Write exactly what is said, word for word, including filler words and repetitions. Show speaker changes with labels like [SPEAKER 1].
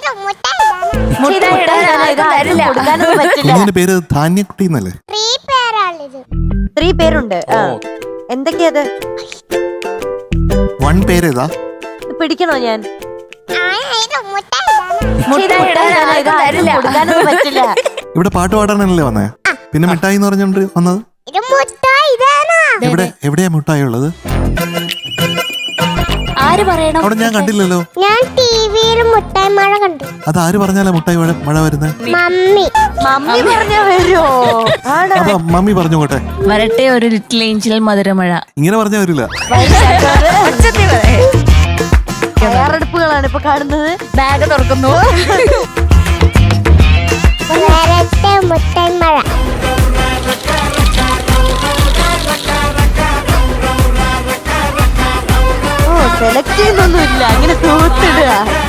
[SPEAKER 1] കുഞ്ഞിന്റെ പേര് ധാന്യക്കുട്ടി എന്നല്ലേ?
[SPEAKER 2] ത്രീ പേരുണ്ട്. എന്തൊക്കെയത്?
[SPEAKER 1] വൺ പേരേതാ?
[SPEAKER 2] പിടിക്കണോ ഞാൻ?
[SPEAKER 1] ഇവിടെ പാട്ട് പാടാനല്ലേ വന്നേ? പിന്നെ മിഠായി എന്ന് പറഞ്ഞോണ്ട് വന്നത്? എവിടെ എവിടെയാ മിഠായി ഉള്ളത്?
[SPEAKER 3] ആര് പറയണം?
[SPEAKER 1] അവിടെ ഞാൻ കണ്ടില്ലല്ലോ.
[SPEAKER 4] ഞാൻ ടിവിയിൽ മുട്ടായി മഴ കണ്ടു.
[SPEAKER 1] അത് ആര് പറഞ്ഞാലാ മുട്ടായി മഴ മഴ വരുന്നത്?
[SPEAKER 4] മമ്മി.
[SPEAKER 2] മമ്മി പറഞ്ഞാ വരുമോ?
[SPEAKER 1] അപ്പൊ മമ്മി പറഞ്ഞു പോട്ടെ.
[SPEAKER 3] വരട്ടെ ഒരു ലിറ്റിൽ ഏഞ്ചൽ മധുരമഴ.
[SPEAKER 1] ഇങ്ങനെ പറഞ്ഞാ വരില്ല.
[SPEAKER 2] തയ്യാറെടുപ്പുകളാണ് ഇപ്പൊ കാണുന്നത്.
[SPEAKER 3] ബാഗ് തുറക്കുന്നു.
[SPEAKER 4] വരട്ടെ മുട്ടായി മഴ.
[SPEAKER 2] ഓ സെലക്ട് ചെയ്യുന്നൊന്നുമില്ല, അങ്ങനെ തൂത്തിടുക.